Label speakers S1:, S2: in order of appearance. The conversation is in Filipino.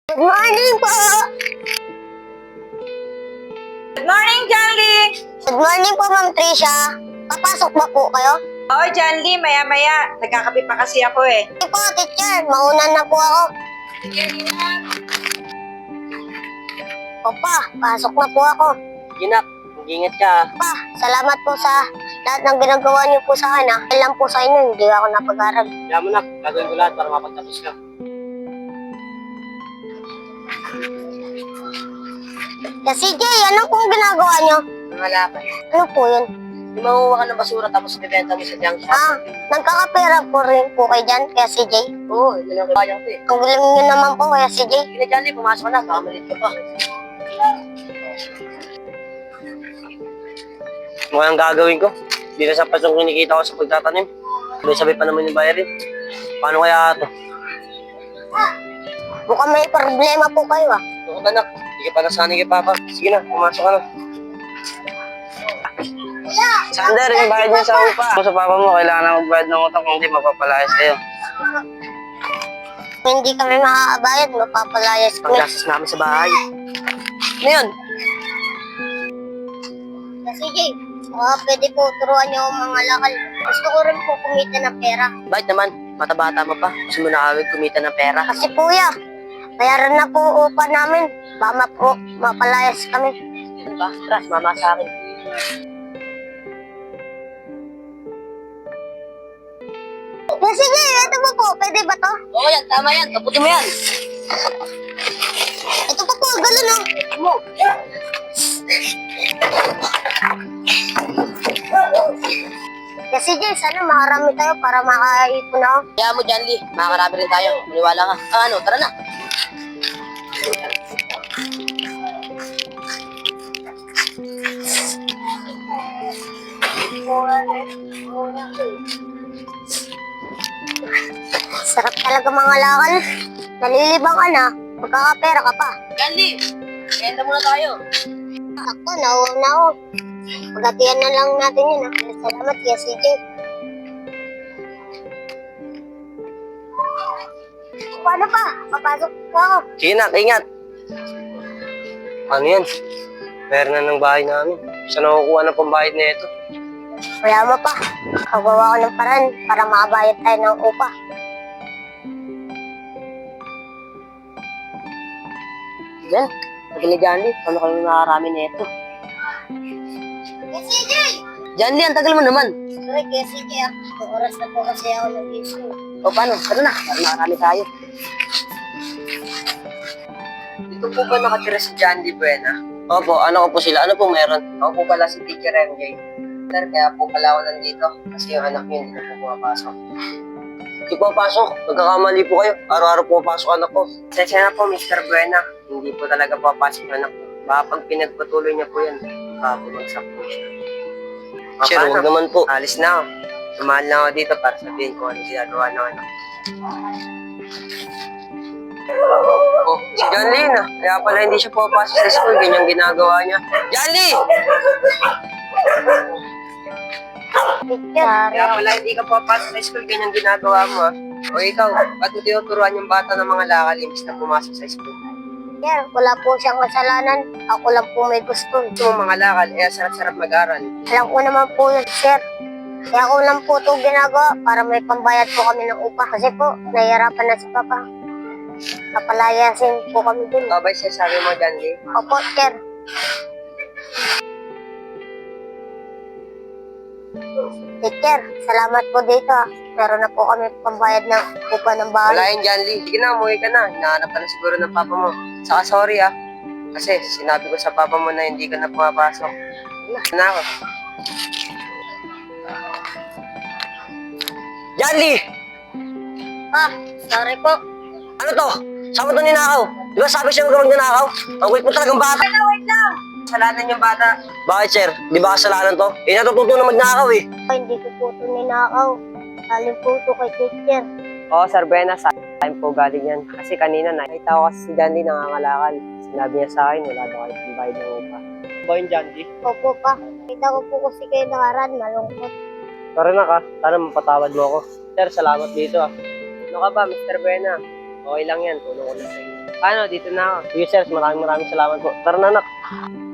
S1: Good morning po!
S2: Good morning, Janly!
S1: Good morning po, Ma'am Tricia. Papasok ba po kayo?
S2: Oo, Janly, maya-maya. Nagkakape pa kasi ako eh.
S1: Hindi po, teacher. Mauna na po ako. Opa, pasok na po ako.
S3: Ginak, mag-ingat ka.
S1: Pa, salamat po sa lahat ng ginagawa niyo po sa akin. Dahil lang po sa inyo, hindi ako napag-aral.
S3: Kaya mo nak, gagawin ko lahat para mapagtapos ka.
S1: Kasi Jay, ano pong ginagawa niyo?
S3: Mga laban.
S1: Ano po yun?
S3: Yung manguha ka ng basura tapos ibibenta mo sa junk shop.
S1: Nagkakapera po rin po kayo dyan, kaya si Jay.
S3: Oo, yun ang kaya ko eh.
S1: Ang galing niyo naman po, kaya si Jay.
S3: Sige na Johnny, pumasok ka na, baka malit ka pa. Mukhang gagawin ko. Hindi na sapat yung kinikita ko sa pagtatanim. Sabay pa naman yung bayarin. Paano kaya ito?
S1: Mukhang may problema po kayo ah.
S3: Ako ba nak? Hindi ka pa nasanay kay Papa. Sige na, pumasok ka na. Sander, yung bayad niya sa upa. Kung sa Papa mo, kailangan na magbayad ng utang kung hindi mapapalayas kayo.
S1: Kung hindi kami makakabayad, mapapalayas kami.
S3: Paggastos namin sa bahay. Ano yun?
S1: Kasi Jay, pwede po turuan niyo ang mga lakal. Gusto ko rin po kumita ng pera.
S3: Bakit naman? Bata-bata mo pa. Gusto mo na kawig kumita ng pera.
S1: Kasi kuya, bayaran na po upa namin. Baka po, mapalayas kami.
S3: Ano ba? Tara, mama sa akin.
S1: Kasi Jay, ito po po, pwede ba to?
S3: Oo yan, tama yan. Kaputi mo yan.
S1: Ito po po, galon oh.
S3: Mo.
S1: Kasi Jay, sana makarami tayo para makaipon ako.
S3: Kaya mo, John Lee. Makakarami rin tayo. Maniwala ka. Ano, tara na.
S1: Sarap talaga mga lakal. Nalilibang ka na, magkakapera ka pa.
S3: John Lee, kaya muna tayo.
S1: Ako, nauna ako. Pagatian na lang natin yun. Salamat, kaya si Jay. Paano pa? Papasok po ako.
S3: Sige na, ingat. Ano yan? Meron na ng bahay namin. Saan nakukuha ng pambayad na ito?
S1: Wala mo pa. Pagawa ko ng paraan para makabayad tayo ng upa.
S3: Yan. Pagkali John Lee, paano kami makakarami na ito?
S1: Kasi Jay!
S3: John Lee, ang tagal mo naman.
S1: Sorry, kasi Jay. Oras na po kasi ako nag-issue.
S3: O paano? Tara na, para makarami tayo. Dito po ba nakatira si John Lee Buena? Opo, ano ko po sila? Ano po meron? Ako po pala si Teacher MJ. Sir, kaya po pala ako nandito kasi yung anak niyo hindi na po pumapasok. Hindi po pasok. Nagkakamali po kayo. Araw-araw po pasok anak ko. Sensya na po, Mr. Buena. Hindi po talaga papasok anak ko. Baka pag pinagpatuloy niya po yan, bumagsak po siya. Sir, huwag naman po. Alis na ako. Sumahal na ako dito para sabihin ko ano ginagawa ng anak. Oh, si John Lee na. Kaya pala hindi siya pumapasok sa school. Ganyan ginagawa niya. John Lee!
S1: Picture.
S3: Kaya pala hindi ka pumapasok sa school. Ganyan ginagawa mo ah. O ikaw, ba't mo tinuturuan yung bata ng mga lakal imbis na pumasok sa school?
S1: Sir, wala po siyang kasalanan. Ako lang po may gusto.
S3: Ito mga lakal, eh sarap-sarap mag-aral.
S1: Alam ko naman po yun, sir. Kaya ako lang po ito ginagawa para may pambayad po kami ng upa. Kasi po, nahihirapan na si Papa. Papalayasin po kami dun.
S3: Babay siya sabi mo, John Lee.
S1: Opo, sir. Teacher, salamat po dito. Meron na po kami pambayad ng upa ng bahay.
S3: Wala yun, John Lee. Sige na, umuwi ka na. Hinahanap ka na siguro ng papa mo. Saka sorry ah. Kasi sinabi ko sa papa mo na hindi ka na pumapasok. Wala na ako. John Lee!
S1: Ah, sorry po.
S3: Ano to? Saan mo ito ninakaw? Di ba sabi siya huwag ninakaw? Ang wait mo talagang bata.
S1: Wait lang.
S3: Kasalanan yung bata. Bakit, sir? Di ba kasalanan to? Eh, natututo na magnakaw eh.
S1: Hindi ko po ito ninakaw. Galing po ito kay teacher.
S3: Oo, Sir Bena, sa akin po galing yan. Kasi kanina nakita ko kasi si John Lee nangangalakal. Sinabi niya sa akin, wala daw kayo pambayad ng upa. Ba yung John Lee?
S1: Opo pa. Kita ko po kasi kayo nakaraan. Malungkot.
S3: Sorry na ka, sana mapatawad mo ako. Sir, salamat dito ah. Ano ka ba, Mr. Bena? Okay lang yan, tulong ko na sa inyo. Paano, dito na ako. Sige sir, maraming salamat po. Tara na anak.